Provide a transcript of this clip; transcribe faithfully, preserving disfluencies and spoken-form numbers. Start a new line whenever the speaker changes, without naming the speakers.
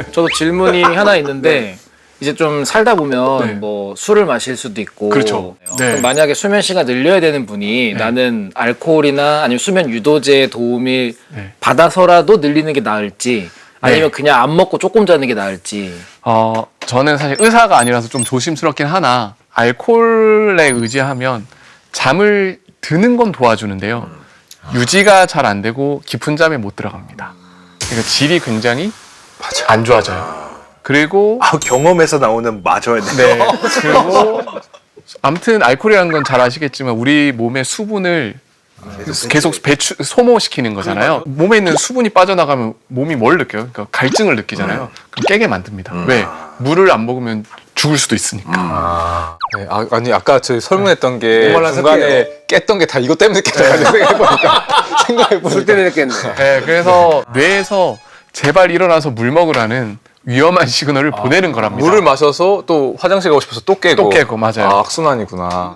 저도 질문이 하나 있는데 이제 좀 살다 보면
네.
뭐 술을 마실 수도 있고
그렇죠. 네.
그럼 만약에 수면 시간 늘려야 되는 분이
네.
나는 알코올이나 아니면 수면 유도제의 도움을
네.
받아서라도 늘리는 게 나을지 아니면
네.
그냥 안 먹고 조금 자는 게 나을지.
어, 저는 사실 의사가 아니라서 좀 조심스럽긴 하나 알코올에 의지하면 잠을 드는 건 도와주는데요. 유지가 잘 안 되고 깊은 잠에 못 들어갑니다. 그러니까 질이 굉장히
맞아.
안 좋아져요. 그리고
아, 경험에서 나오는 맞아야 돼.
네. 그리고 아무튼 알코올이라는 건 잘 아시겠지만 우리 몸의 수분을 계속 배출 소모시키는 거잖아요. 몸에 있는 수분이 빠져나가면 몸이 뭘 느껴요? 그러니까 갈증을 느끼잖아요. 그럼 깨게 만듭니다. 왜? 물을 안 먹으면 죽을 수도 있으니까.
아, 네, 아, 아니 아까 저 설문했던 게
오만한
중간에 깼던 게 다 이것 때문에 깼다고 생각해보니까 생각해보니까
술 때문에 깼네.
네, 그래서 뇌에서 제발 일어나서 물 먹으라는 위험한 시그널을 보내는 거랍니다.
물을 마셔서 또 화장실 가고 싶어서 또 깨고
또 깨고, 맞아요.
아, 악순환이구나.